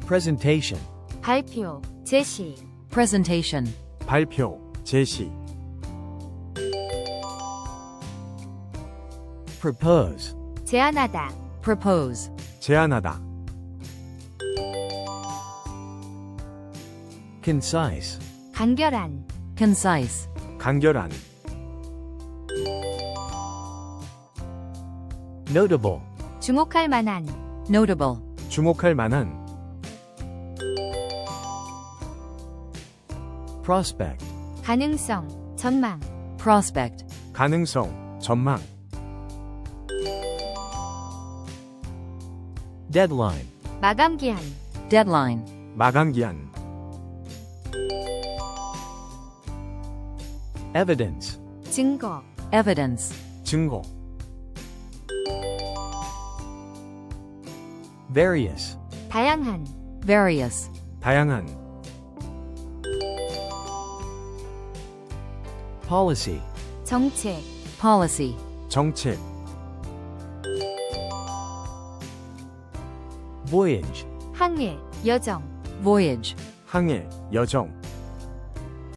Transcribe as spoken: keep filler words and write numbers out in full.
presentation, 발표, 제시, presentation, 발표, 제시. propose, 제안하다, propose, 제안하다. concise, 간결한, concise, 간결한. notable, 주목할 만한, notable, 주목할 만한. prospect, 가능성, 전망, prospect, 가능성, 전망. deadline, 마감기한, deadline, 마감기한. evidence, 증거, evidence, 증거. various, 다양한, various, 다양한. policy, 정책, policy, 정책. voyage, 항해, 여정, voyage, 항해, 여정.